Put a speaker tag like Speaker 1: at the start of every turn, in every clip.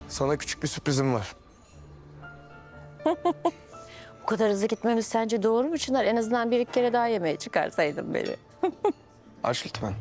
Speaker 1: Sana küçük bir sürprizim var.
Speaker 2: Bu kadar hızlı gitmemiz sence doğru mu Çınar? En azından bir iki kere daha yemeğe çıkarsaydın beni.
Speaker 1: Aç lütfen.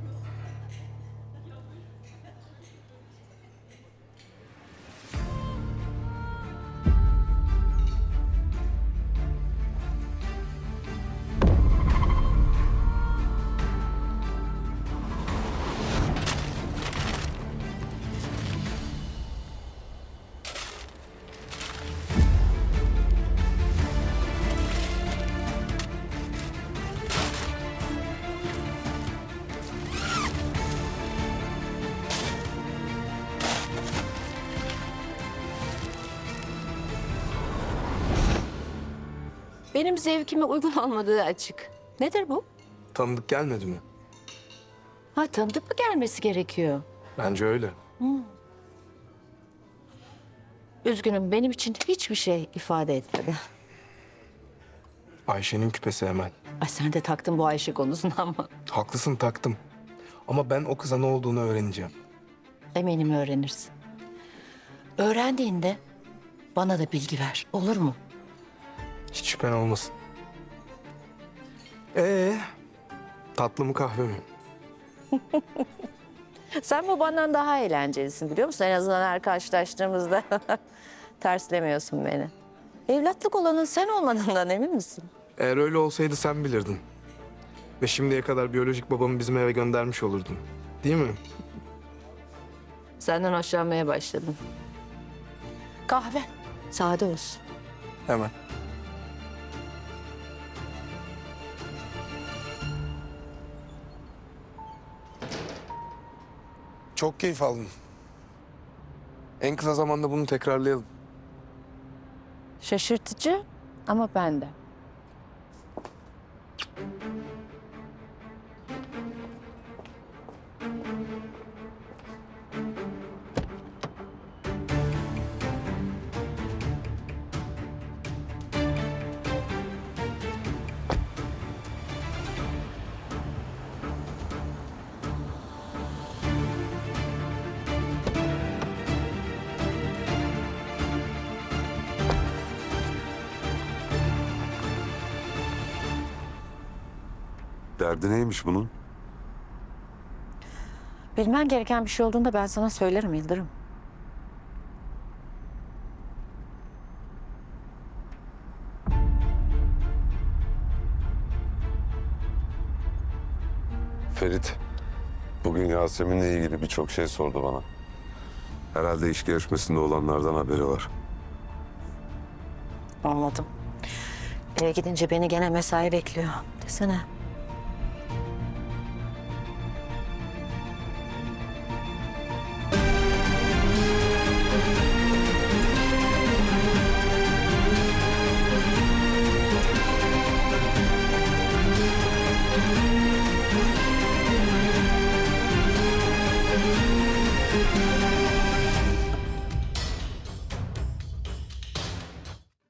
Speaker 2: Benim zevkime uygun olmadığı açık. Nedir bu?
Speaker 1: Tanıdık gelmedi mi?
Speaker 2: Ha, tanıdık mı gelmesi gerekiyor?
Speaker 1: Bence öyle.
Speaker 2: Üzgünüm, benim için hiçbir şey ifade etmedi.
Speaker 1: Ayşe'nin küpesi Emel.
Speaker 2: Ay, sen de taktın bu Ayşe konusuna ama.
Speaker 1: Haklısın, taktım. Ama ben o kıza ne olduğunu öğreneceğim.
Speaker 2: Eminim öğrenirsin. Öğrendiğinde bana da bilgi ver, olur mu?
Speaker 1: Hiç şüphen olmasın. Tatlı mı kahve mi?
Speaker 2: Sen babandan daha eğlencelisin biliyor musun? En azından her karşılaştığımızda terslemiyorsun beni. Evlatlık olanın sen olmadığından emin misin?
Speaker 1: Eğer öyle olsaydı sen bilirdin. Ve şimdiye kadar biyolojik babamı bizim eve göndermiş olurdun. Değil mi?
Speaker 2: Senden hoşlanmaya başladım. Kahve, sade olsun.
Speaker 1: Hemen. Çok keyif aldım. En kısa zamanda bunu tekrarlayalım.
Speaker 2: Şaşırtıcı ama ben de.
Speaker 3: Derdi neymiş bunun?
Speaker 2: Bilmen gereken bir şey olduğunda ben sana söylerim Yıldırım.
Speaker 3: Ferit, bugün Yasemin'le ilgili birçok şey sordu bana. Herhalde iş görüşmesinde olanlardan haberi var.
Speaker 2: Anladım. Eve gidince beni gene mesai bekliyor. Desene.